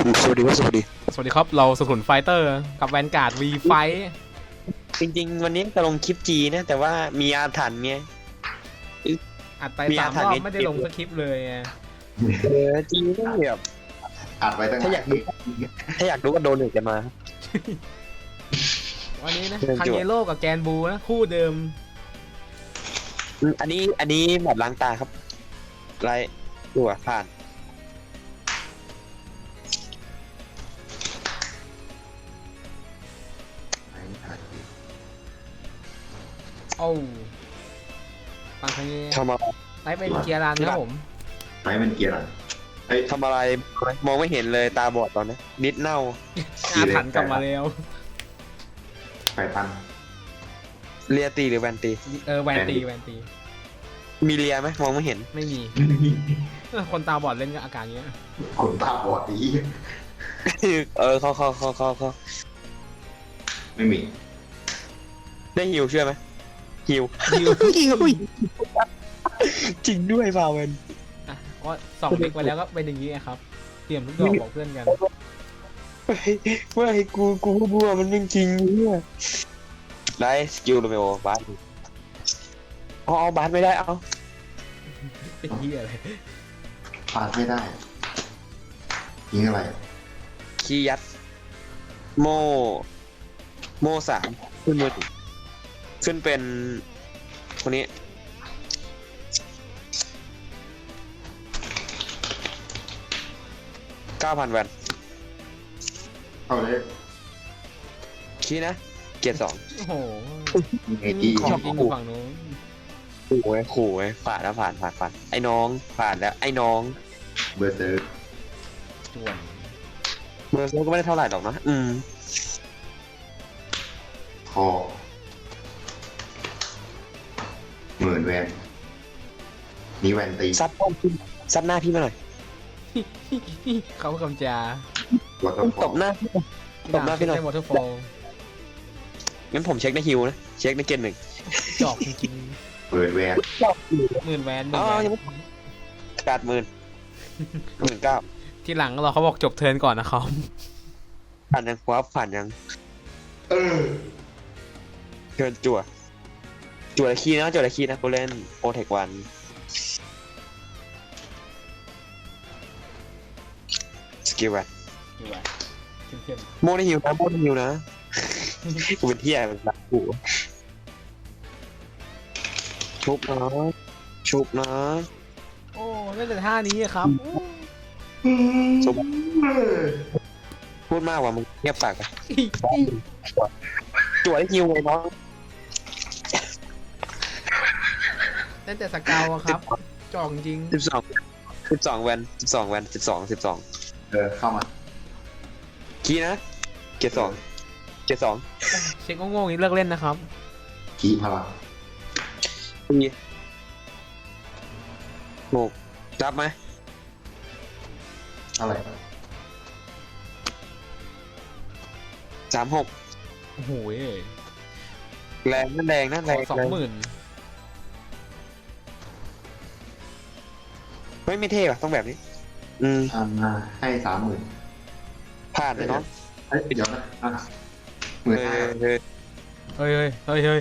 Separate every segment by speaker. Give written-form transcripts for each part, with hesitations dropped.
Speaker 1: สวัสดีครับสวัสดี
Speaker 2: สวัสดีครับเราสุขุนไฟเตอร์กับแวนการ์ดวีไฟ
Speaker 1: จริงๆวันนี้จะลงคลิปจีนะแต่ว่ามีอาถรรพ์ไง
Speaker 2: อัดไป
Speaker 1: มีอาถรรพ์
Speaker 2: 3 รอบ
Speaker 1: ไง
Speaker 2: ไม่ได้ลงสคริปต์เลยไง
Speaker 1: จีต้องแบบ
Speaker 3: อัดไว้ตั้ง
Speaker 1: ถ้าอยากดูก็โดนหนึ่งกันมา
Speaker 2: วันนี้นะ
Speaker 1: เชิญ
Speaker 2: คัง
Speaker 1: จวด
Speaker 2: เยโร่กับแกนบูนะคู่เดิม
Speaker 1: อันนี้แบบล้างตาครับไรดูอ่ะผ่าน
Speaker 2: โอ้ฟังคังเย
Speaker 1: ทำอะไร
Speaker 2: ไล่เป็นเกียร์รันครับผม
Speaker 3: ไม่เป็นเกียร์อะไรเฮ้ย
Speaker 1: ทำอะไรมองไม่เห็นเลยตาบอดตอนนี้นิดเน่า
Speaker 2: อาถรรพ์กลับมาแล้ว
Speaker 3: ไฟตัน
Speaker 1: เลียตีหรือแวนตี
Speaker 2: แวนตี
Speaker 1: มีเลียไหมมองไม่เห็น
Speaker 2: ไม่มีคนตาบอดเล่นกับอาการเนี้ย
Speaker 3: คนตาบอดดี
Speaker 1: เขา
Speaker 3: ไม่มี
Speaker 1: ได้ฮิวเชื่อไหมฮิว
Speaker 2: ยิว
Speaker 1: จริงด้วยฟาเวน
Speaker 2: อ่ะก็ส่องเด็กไปแล้วก็เป็นอย่างนี้ไงครับเตรียมทุกดอกบอกเพื่อนกัน
Speaker 1: ไม่กูบัวมันจริงเนี่ยได้สกิลโรเมโอบาสเอาบาสไม่ได้เอา
Speaker 2: เป็นเฮียอะไร
Speaker 3: ปาดไม่ได้ยิงอะไร
Speaker 1: คียัดโมสามขึ้นมือถือขึ้นเป็นคนนี้9,000 แวน
Speaker 3: เอาเลย
Speaker 1: คีนะเกียร์2
Speaker 2: โอ้โห
Speaker 3: ยิงไอจี
Speaker 2: ของจริงอยู่ฝั่งนู้น
Speaker 1: ขู่ไว้ผ่านแล้วผ่านไอ้น้องผ่านแล้วไอ้น้อง
Speaker 3: เบอร์เซอร์
Speaker 2: จวน
Speaker 1: เบอร์โซก็ไม่ได้เท่าไหร่หรอกนะ
Speaker 3: คอหมื่นแวนนี่แวนตี
Speaker 1: ซัดป้อมขึ้นซัดหน้าพี่มาหน่อย
Speaker 2: เขากำจา
Speaker 3: ตัวต้
Speaker 1: ตบหน้าพี่ตบหน้าพี่หน่อย
Speaker 2: วอเตอร์ฟอล
Speaker 1: งั้นผมเช็คในฮิวนะเช็คในเกณฑ์หนึ่ง
Speaker 2: จอกจริง
Speaker 3: เปิดแวน
Speaker 2: ๆหมื่นแวนหมื่นแวน
Speaker 1: ยังไม่19,000
Speaker 2: ที่หลังเราเขาบอกจบเทิร์นก่อนนะครับ
Speaker 1: ผ่านยังครับผ่านยัง
Speaker 3: เออ
Speaker 1: เชิญจั่วละคีนะกูเล่นโอเทควันสกิลแวน
Speaker 2: อยู่ไว้เข้ม
Speaker 1: โมได้ฮิวนะกูเป็นเที่ยเป็นรักกูชุบนะ
Speaker 2: ๆโอ้เล่นแต่ท่านี้อะครับ
Speaker 1: ชุบพูดมากว่ามึงเงียบปากไปจั่วได้ฮิวเลยน้อง
Speaker 2: เล่นแต่สเกาวอะครับ จอกจริง
Speaker 1: 12แวน12
Speaker 3: เข้ามา
Speaker 1: คีนะเกียร์2
Speaker 2: เช็คโง่ๆนี้เลิกเล่นนะครับ
Speaker 3: ขีพลัง
Speaker 1: ปี6รับไหม
Speaker 3: อะไร
Speaker 1: 36
Speaker 2: โอ้โห
Speaker 1: แรงนั่นแรง
Speaker 2: ขอ20,000
Speaker 1: ไม่เท่อะต้องแบบนี้
Speaker 3: ให้30,000
Speaker 1: ผ่านเลยเนาะ
Speaker 3: เฮ้ยเดี๋ยวนะอ่ะ15,000
Speaker 2: เฮ้ย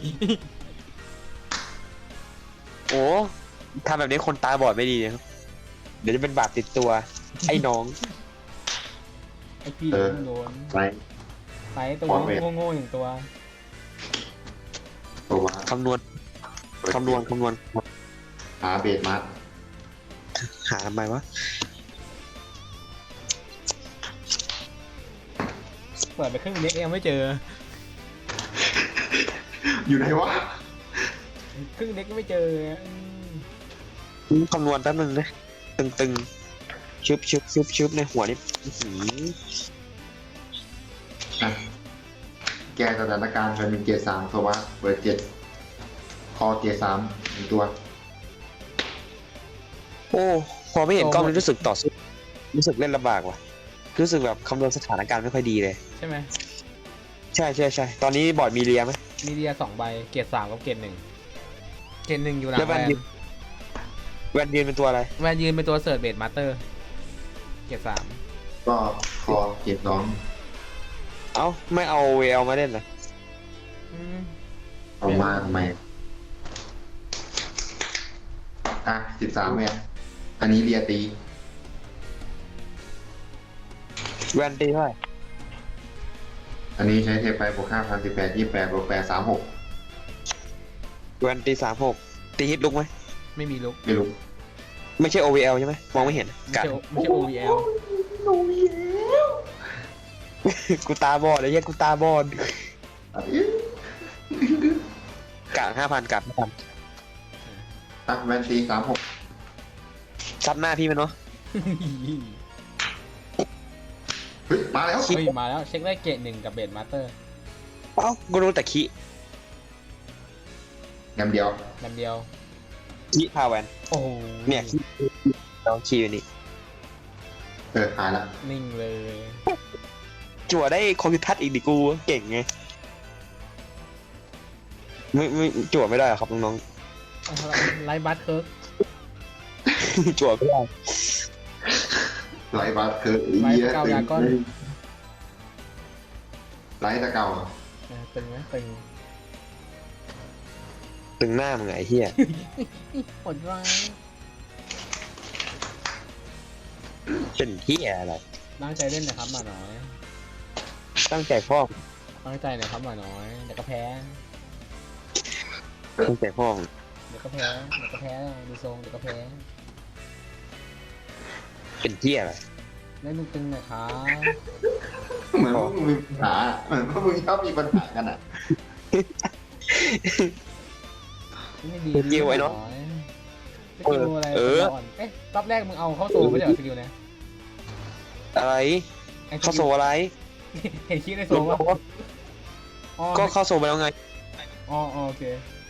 Speaker 1: โอ้ทำแบบนี้คนตาบอดไม่ดีนะครับเดี๋ยวจะเป็นบาปติดตัว ไอ้น้อง
Speaker 2: ไอพี่โดน
Speaker 3: ไร
Speaker 2: ไปตัวโง่ๆอย่างตัว
Speaker 3: ตัวมา
Speaker 1: คำนวณ
Speaker 3: หาเบสมาร์
Speaker 1: หาทำไมวะ
Speaker 2: เปิดไปครึ่งเล็กยังไม่เจอ
Speaker 3: อยู่ไหนวะ
Speaker 2: ครึ่งเล็กยังไม่เจอ
Speaker 1: คำนวณแป๊บนึงนะตึงชุบในหัวนี่อื้อหือ
Speaker 3: อ่ะแก้สถานการณ์เป็นเกียร์3โซวะเบอร์7คอเกียร์3 1 ตัว
Speaker 1: โอ้พอไม่เห็นกล้องนี่รู้สึกต่อสู้รู้สึกเล่นลำบากว่ะรู้สึกแบบคำนวณสถานการณ์ไม่ค่อยดีเลย
Speaker 2: ใช่ไหม
Speaker 1: ใช่ตอนนี้บอร์ดมีเรียไหม
Speaker 2: มีเดีย2 ใบเกียร์3กับเกียร์1เกียร์1อยู่หลัง
Speaker 1: แล้ว
Speaker 2: แว
Speaker 1: แวนยืนเป็นตัวอะไร
Speaker 2: นยืนเป็นตัวเสิร์ชเบดมาสเตอร์เกียร์3
Speaker 3: ก็คอเกียร์สอง
Speaker 1: เอ้าไม่เอาเวลมาเล่นเหรอ
Speaker 2: อืม
Speaker 3: เอามาทำไมอ่ะ13เนี่ยอันนี้เรียตี
Speaker 1: แวนตีเท่าไหร่
Speaker 3: อันนี้ใช้เทปไปบวก5,000 18 28บวก8 36
Speaker 1: แวนตี36ตีฮิตลุกไหม
Speaker 2: ไม่มีลุก
Speaker 3: ไม่รู้
Speaker 1: ไม่ใช่ OVL ใช่ไหมมองไม่เห็น
Speaker 2: ไม่
Speaker 1: กั
Speaker 2: ใช่
Speaker 1: ด
Speaker 2: ไม่ใช่ OVL
Speaker 1: กูตาบอดเลยเฮียกูตาบอดกะ5,000กัด5,000
Speaker 3: อ่ะแวนตี36
Speaker 1: ซัดหน้าพี่มันเนาะ
Speaker 3: เฮ้ยมาแล้ว
Speaker 2: เฮ้ยมาแล้วเช็คได้เกรด1กับเบดมาสเตอร์
Speaker 1: เอ้ากูรู้แต่คิ
Speaker 3: แงมเดียว
Speaker 2: ลำเดียว
Speaker 1: คิพาแวน
Speaker 2: โอ้โห
Speaker 1: เนี่ยคิเราคิอยู่นี่
Speaker 3: หายละ
Speaker 2: นิ่งเลย
Speaker 1: จั่วได้คอมพิวทัศน์อีกดิกูเก่งไงไม่จั่วไม่ได้หรอครับน้อง
Speaker 2: เอาละไลฟ์บัสเคิร์ก
Speaker 1: ๆ จั่วไม่ได้
Speaker 3: ไลท์บัสคือ
Speaker 2: ไลฟ์เกายาก้อน
Speaker 3: ไลท์ตะเกา
Speaker 2: ตึงไหมตึง
Speaker 1: ตึงหน้ามึงไงเฮีย
Speaker 2: หดร้าย
Speaker 1: เป็นเฮียอะไร
Speaker 2: ตั้งใจเล่นนะครับหมาน้อย
Speaker 1: ตั้งใจพ่อ
Speaker 2: ตั้งใจหน่อยครับหมาน้อยเดี๋ยวก็แพ้
Speaker 1: ตั้งใจพ่อ
Speaker 2: เดี๋ยวก็แพ้เดี๋ยวก็แพ้ดูทรงเดี๋ยวก็แพ้
Speaker 1: เป็นเฮียอะไร
Speaker 2: เล่นตึงๆหน่อยครับ
Speaker 3: เหมือนพวกมึงมีปัญหาเหมือนพวกมึงชอบมีปัญหากันอ่ะ
Speaker 2: ไม่ดี
Speaker 1: สกิลไว้เนาะ
Speaker 2: สกิลอะไรอ่อนเอ๊ะรอบแรกมึงเอาเข้าโซ่ไม่ใช่เหรอสกิลเนี่ย
Speaker 1: อะไรเข้าโซอะไร
Speaker 2: เห็นคิดในโซ่ว่าอ๋อ
Speaker 1: ก็เข้าโซไปแล้วไง
Speaker 2: อ๋อโอเค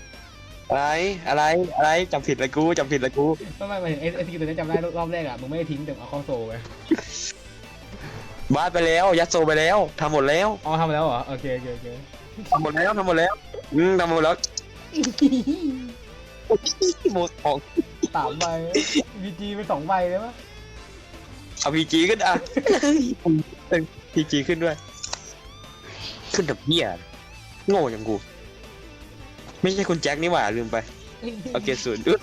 Speaker 1: อะไรจำผิดละกูจำผิดละกู
Speaker 2: ไม่ไอ้สกิลตัวนี้จำได้รอบแรกอ่ะมึงไม่ได้ทิ้งแต่เอาเข้าโซ่ไป
Speaker 1: บาสไปแล้วยัดโซไปแล้วทำหมดแล้ว
Speaker 2: อ๋อทำแล้วเหรอโอเค
Speaker 1: ทำหมดแล้วทำหมดแล้วทำหมดแล้วหมดของ
Speaker 2: 3 ใบบีจีไป2 ใบเลยวะ
Speaker 1: เอาพีจีขึ้นอ่ะพีจีขึ้นด้วย ขึ้นกับเหี้ยโง่อย่างกู ไม่ใช่คุณแจ็คนี่หว่าลืมไปโอเคศูนย์อึ๊ด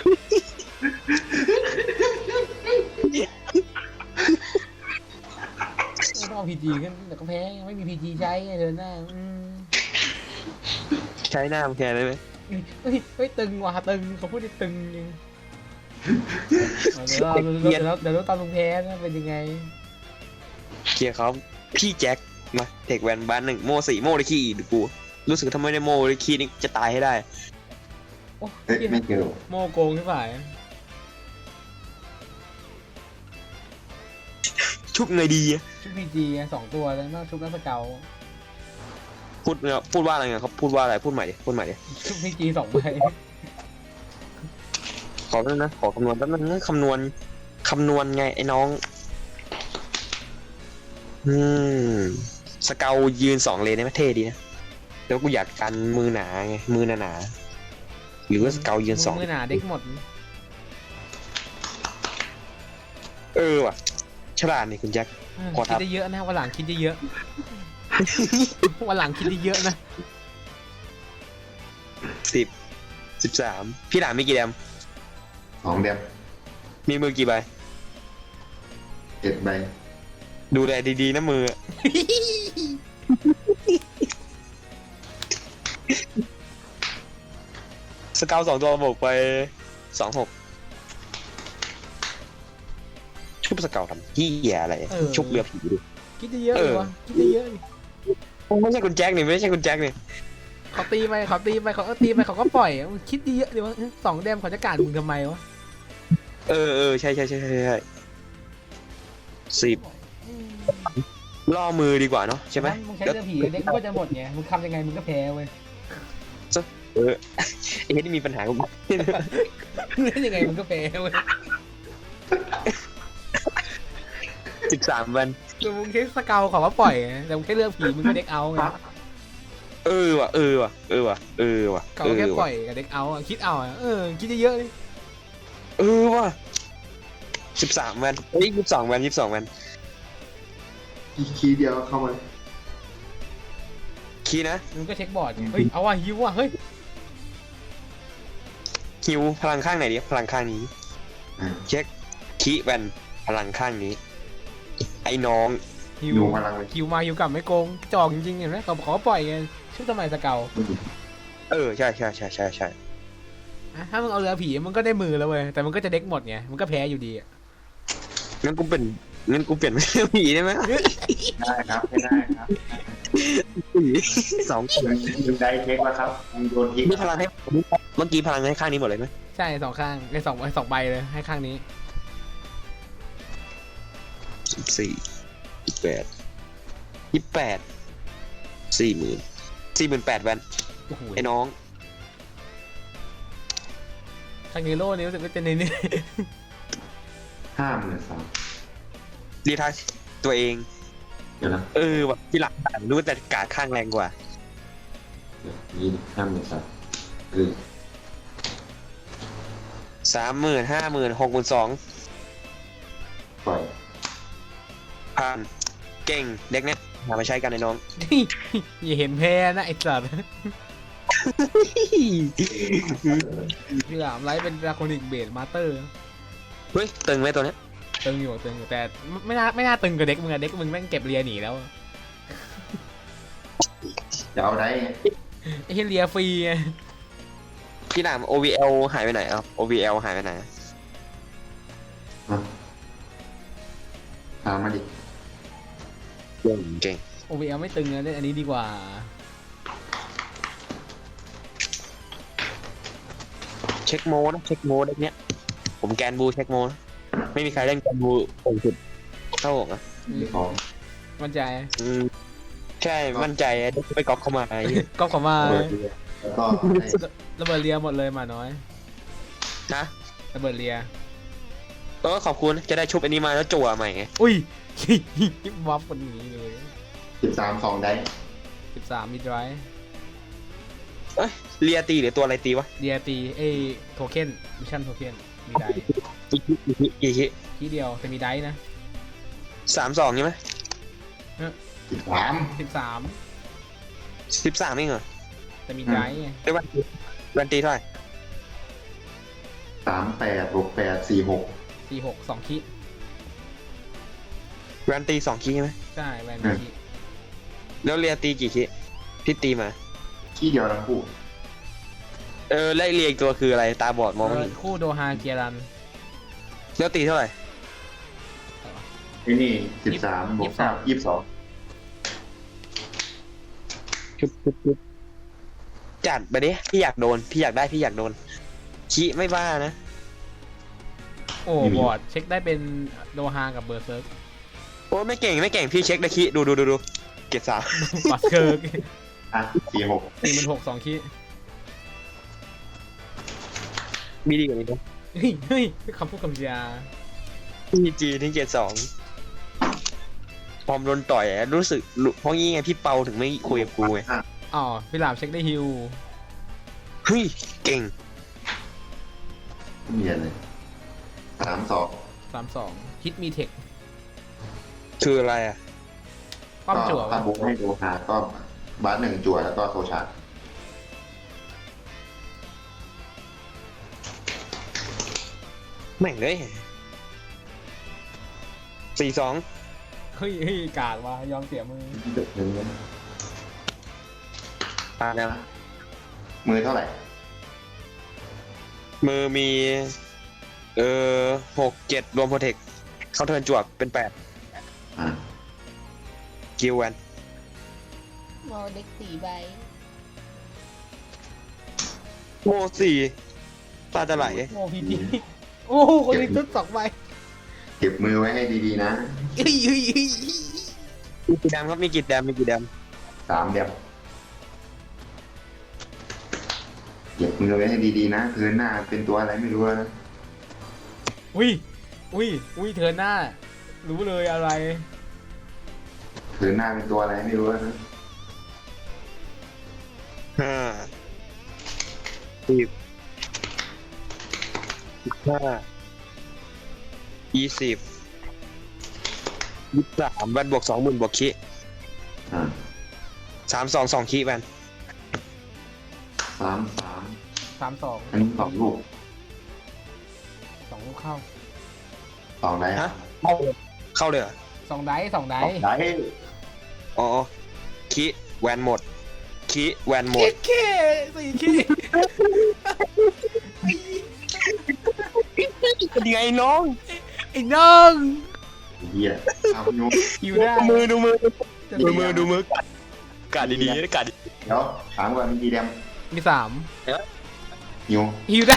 Speaker 2: ไม่ต้องพีจีขึ้นแต่ก็แพ้ยังไม่มีพีจีใช้ไงเดินหน้า
Speaker 1: ใช้หน้ามันแทนได้ไหม
Speaker 2: เฮ้ยตึงว่ะตึงเขาพูดได้ตึงจริงเดี๋ยวเราตามลุงแพ้นะเป็นยังไง
Speaker 1: เคลียร์เขาพี่แจ็คมาเทคแวนบ้าน1โม่4โม่ได้ขี้อีกดิกูรู้สึกทำไมได้โม่ได้ขี้นี่จะตายให้ได้
Speaker 2: โอ้
Speaker 3: เฮ้ยไม่เกี่ยว
Speaker 2: โมโกงใช่ไหม
Speaker 1: ชุบไงดีอะ
Speaker 2: ชุดพีจี2 ตัวแล้วนอกชุดนักสเกล
Speaker 1: พูดว่าอะไรเงี้ยเขาพูดว่าอะไรพูดใหม่ดิ
Speaker 2: ชุดพีจี2 ใบ
Speaker 1: ขอแป๊บนึงนะขอคำนวณแป๊บนึงคำนวณไงไอ้น้องสเกลยืน2 เลนได้ไหมเท่ดีนะแล้วกูอยากกันมือหนาไงมือหนาๆหรือว่าสเกลยืน2
Speaker 2: มือหนาเด็กหมด
Speaker 1: ว่ะฉลาดนี่คุณแจ็ค ขอ
Speaker 2: คิ
Speaker 1: ทั
Speaker 2: ด
Speaker 1: บ
Speaker 2: ได้เยอะนะวันหลังคิดได้เยอะวันหลังคิดได้เยอะนะ
Speaker 1: 13พี่หลานมีกี่แดม
Speaker 3: 2 เดม
Speaker 1: มีมือกี่ใบ
Speaker 3: 7 ใบ
Speaker 1: ดูแลดีๆนะมือ สเกล2 ตัวบวกไป26ชุบสเกลทำที่อะไรชุบเรือผีดิ
Speaker 2: คิดได้เยอะเลยวะคิดได้เยอะดิ
Speaker 1: ไม่ใช่คุณแจ็คนี่ไม่ใช่คุณแจ็คนี่
Speaker 2: เขาตีไปเขาตีไปเขาก็ปล่อยมึงคิดดีเยอะดิวะ2 แดมเขาจะการมึงทำไมวะ
Speaker 1: ใช่10ล่อมือดีกว่าเนาะใช่ไหม
Speaker 2: มึงใช้เรือผีเด็กมึงก็จะหมดไงมึงทำยังไงมึงก็แพ้เว้ย
Speaker 1: ไอ้เฮ็ดนี่มีปัญหากับ
Speaker 2: เล่นยังไงมึงก็แพ้เว้ย
Speaker 1: 13 วัน
Speaker 2: แต่มึงใช้สเกลเขาก็ปล่อยไงแต่มึงแค่เรือผีมึงก็เด็กเอาไง
Speaker 1: ว่ะ
Speaker 2: เขาแค่ปล่อยกับเด็กเอาอะคิดเอาอะคิดเยอะๆดิ
Speaker 1: ว่ะ13 วัน22 วัน
Speaker 3: คีย์เดียวเข้ามา
Speaker 1: คีย์นะ
Speaker 2: มึงก็เช็คบอร์ดไงเฮ้ยเอาว่ะฮิวว่ะเฮ้ย
Speaker 1: ฮิวพลังข้างไหนดีพลังข้างนี้
Speaker 3: อ่า
Speaker 1: เช็คคีย์แวนพลังข้างนี้ ไอ้น้อง
Speaker 2: ฮิว
Speaker 3: ดูพลังเลย
Speaker 2: ฮิวมาฮิวกลับไม่โกงจอกจริงๆเห็นไหมเขาขอปล่อยไงชุบทำไมสเกล
Speaker 1: ใช่
Speaker 2: อ่ะถ้ามึงเอาเรือผีมันก็ได้มือแล้วเว้ยแต่มันก็จะเด็กหมดไงมันก็แพ้อยู่ดีอะ
Speaker 1: งั้นกูเปลี่ยนเป็นเรื่องผีได้ไหม
Speaker 3: ได้ครับไม่ได้ครับ
Speaker 1: ผีสองคน
Speaker 3: มึงได้เช็คแล้วครับมึงโดนทิ้ง
Speaker 1: มีพลังให้เมื่อกี้พลังให้ข้างนี้หมดเลยไหม
Speaker 2: ใช่สองข้างไอ้สองใบเลยให้ข้างนี้
Speaker 1: 28 48,000แวน
Speaker 2: โอ้โห
Speaker 1: ไอ้น้อง
Speaker 2: ข้างนี้โล่นี่รู้สึกว่าจะเน้น
Speaker 3: 53,000
Speaker 1: รีทัชตัวเอง
Speaker 3: เดี๋ยวนะ
Speaker 1: แบบที่หลังรู้แต่กาดข้างแรงกว่า
Speaker 3: เดี๋ยวนี่53,000คือ
Speaker 1: 30,000 50,000 62,000
Speaker 3: ปล่อย
Speaker 1: ผ่านเก่งเด็กเนี้ยหามาใช้กันไอ้น้อง
Speaker 2: ๆอย่าเห็นแพ้นะไอ้สัตว์พี่หลามไลฟ์เป็นดราโคนิกเบสมาสเตอร์
Speaker 1: เฮ้ยตึงไหมตัวเนี้ย
Speaker 2: ตึงอยู่แต่ไม่น่าตึงกับเด็กมึงอะเด็กมึงแม่งเก็บเรียหนีแล้ว
Speaker 3: จะเอาได้ไง
Speaker 2: ไอ้เหี้ยเรียฟรีไง
Speaker 1: พี่หนาม OVL หายไปไหนอ่ะ OVL หายไปไหน
Speaker 3: ถามมาดิ
Speaker 1: เก่ง
Speaker 2: OVL ไม่ตึงนะเล่นอันนี้ดีกว่า
Speaker 1: เช็คโมนะเช็คโมเด็กเนี้ยผมแกนบูเช็คโมนะไม่มีใครเล่นแกนบูโป่งสุดเท่าผมอ่ะ
Speaker 3: มีของ
Speaker 2: มั่นใจ
Speaker 1: ใช่มั่นใจเด็กไปก๊อปเข้ามาไอ้เหี้ย
Speaker 2: ก็ขอมา
Speaker 3: เปิดเรือแล้วก็ให้
Speaker 2: ระเบิดเรียหมดเลยหมาน้อย
Speaker 1: นะ
Speaker 2: ระเบิดเรีย
Speaker 1: ขอบคุณจะได้ชุบอันนี้มาแล้วจั่วใหม่ไง
Speaker 2: อุ้ย วับคนนี้เลย
Speaker 3: 13 2ได้
Speaker 2: 13มีดไร
Speaker 1: เรียตีหรือตัวอะไรตีวะ
Speaker 2: เดียตีโทเค็นมิชชั่นโทเค็นมีได
Speaker 1: กี่คิ
Speaker 2: ทีเดียวแต่มีไดนะ
Speaker 1: 32ใช่ไหม
Speaker 3: 13
Speaker 2: 13
Speaker 1: 13เองเหรอ
Speaker 2: แต่มีไดไง
Speaker 1: ได้วันตีเท่าไหร่
Speaker 3: 38 68 46
Speaker 2: 46 2คิด
Speaker 1: วันตี2คิใช่ไหม
Speaker 2: ใช่แวนคิ
Speaker 1: แล้วเรียตีกี่คิพี่ตีมา
Speaker 3: ที่เดียวทั้งคู่
Speaker 1: ไล่เรียอีกตัวคืออะไรตาบอดมองไม่เห็น
Speaker 2: คู่โดฮาเกียรัน
Speaker 1: แล้วตีเท่าไหร่
Speaker 3: ไอ้นี่13บวก9 22
Speaker 1: ชุบจัดไปดิพี่อยากโดนพี่อยากโดนคิไม่บ้านะ
Speaker 2: โอ้บอร์ดเช็คได้เป็นโดฮากับเบอร์เซิร์ก
Speaker 1: โอ้ไม่เก่งพี่เช็คได้คิดูเก็บ3
Speaker 2: บัสเคิร์ก
Speaker 3: อ่ะ46
Speaker 2: 46 2คิด
Speaker 1: มีดีกว่านี้นะ
Speaker 2: เฮ้ยคำพูดคำจา
Speaker 1: พี่จีที่เก็บ2พอมโดนต่อยรู้สึกเพราะงี้ไงพี่เปาถึงไม่คุยกับกูไง
Speaker 2: อ๋อพี่หลามเช็คได้ฮิว
Speaker 1: เฮ้ยเก่ง
Speaker 3: ไม่มีอะไร32
Speaker 2: 32ฮิตมีเทค
Speaker 1: คืออะไรอ่ะ
Speaker 2: ป้อมจั่ว
Speaker 3: ถ้าบุ๊กให้ดูหาก็บาส1จั่วแล้วก็โซชาร์
Speaker 1: แม่งเลย42
Speaker 2: เฮ้ยกากว่ะยอมเสียมือ
Speaker 1: ปาแล้ว
Speaker 3: มือเท่าไหร่
Speaker 1: มือมี6-7รวมโปรเทคเขาเทิร์นจวกเป็น8
Speaker 3: อ่ะ
Speaker 1: กิลแวน
Speaker 4: โมเด็ก4 ใบ
Speaker 1: โม4ตาจะไหล
Speaker 2: โอ้พีจีโอ้คนนี้ตุ๊ด2 ใบ
Speaker 3: เก็บมือไว้ให้ดีๆนะ
Speaker 2: เฮ้ย
Speaker 1: มีกี่แดมครับมีกี่แดม
Speaker 3: 3 เดี๋ยวเก็บมือไว้ให้ดีๆนะคืนหน้าเป็นตัวอะไรไม่รู้นะ
Speaker 2: อุ้ยเธอหน้า รู้เลยอะไร
Speaker 3: คืนหน้าเป็นตัวอะไรไม่รู้นะ
Speaker 1: 5 10 15 20 3แวนบวก20,000บวกคี
Speaker 3: อ่า
Speaker 1: 3 2 2คีแวน
Speaker 3: 3
Speaker 2: 32
Speaker 3: อันนี้2 ลูก
Speaker 2: 2 ลูกเข้า
Speaker 3: 2 ได้ฮะ
Speaker 1: เข้าเลยเหรอ
Speaker 2: 2 ได้2 ได้
Speaker 3: ได้
Speaker 1: อ๋อคีแวนหมดคีแวนหมด
Speaker 2: เค4 ขี้
Speaker 1: เป็นยังไงน้อง
Speaker 2: ไอ้น้อง
Speaker 3: เหี้ยเอาอยู่
Speaker 2: อยู่ได้
Speaker 1: ดูมือ
Speaker 2: จะ
Speaker 1: ดู
Speaker 2: มี
Speaker 1: มือกาดดีๆนะกาดดี
Speaker 3: เดี๋ยวถามก่อนมีกี่แดม
Speaker 2: มี
Speaker 3: อยู่
Speaker 2: 3หิวได้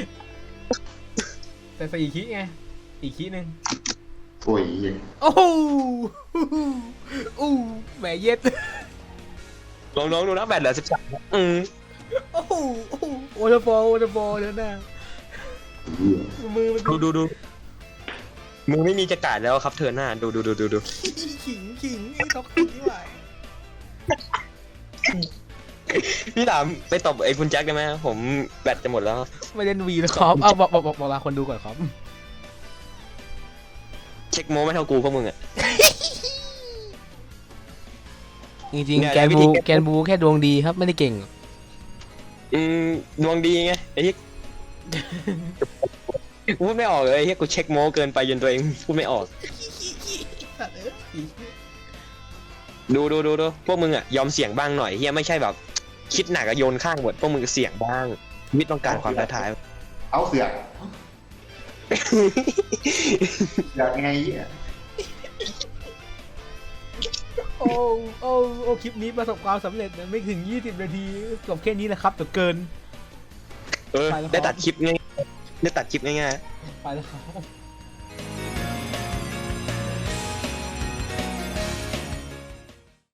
Speaker 2: แต่4 ขี้ไงอีกขี้หนึ่ง
Speaker 3: โอ้ยเหี้ย
Speaker 2: โอ้โหอู้แหมเย็ด
Speaker 1: น้องดูนะแบตเหลือ13
Speaker 2: โอ้โหโอเดอร์บอลเดี๋ยวนะ
Speaker 3: เหี้ย
Speaker 2: มือมัน
Speaker 1: ดูมึงไม่มีจะกาดแล้วครับเธอหน้าดู
Speaker 2: ขิงไอ้ท็อกซิกนี่หว่า
Speaker 1: พี่ถามไปตบไอ้คุณแจ็คได้ไหมผมแบตจะหมดแล้ว
Speaker 2: ไม่เล่นวีนะครับเอาบอกลาคนดูก่อนครับ
Speaker 1: เช็คโม้ไม่เท่ากูพวกมึงอ่ะ
Speaker 2: จริง
Speaker 1: เนี่ย
Speaker 2: ๆแกน
Speaker 1: วิธี
Speaker 2: บูแค่ดวงดีครับไม่ได้เก่ง
Speaker 1: ดวงดีไงไอ้ที่กูพูดไม่ออกเลยไอ้ที่กูเช็คโม้เกินไปจนตัวเองพูดไม่ออกดูพวกมึงอ่ะยอมเสี่ยงบ้างหน่อยเฮียไม่ใช่แบบคิดหนักอะโยนข้างหมดพวกมึงเสี่ยงบ้างชีวิตต้องการความท้าทาย
Speaker 3: เอาเสือกอยากไงเหี้ย
Speaker 2: โอ้คลิปนี้ประสบความสำเร็จนะไม่ถึง20 นาทีจบแค่นี้แหละครับแต่เกิน
Speaker 1: ได้ตัดคลิปง่ายๆ
Speaker 2: ไปแล้วครับ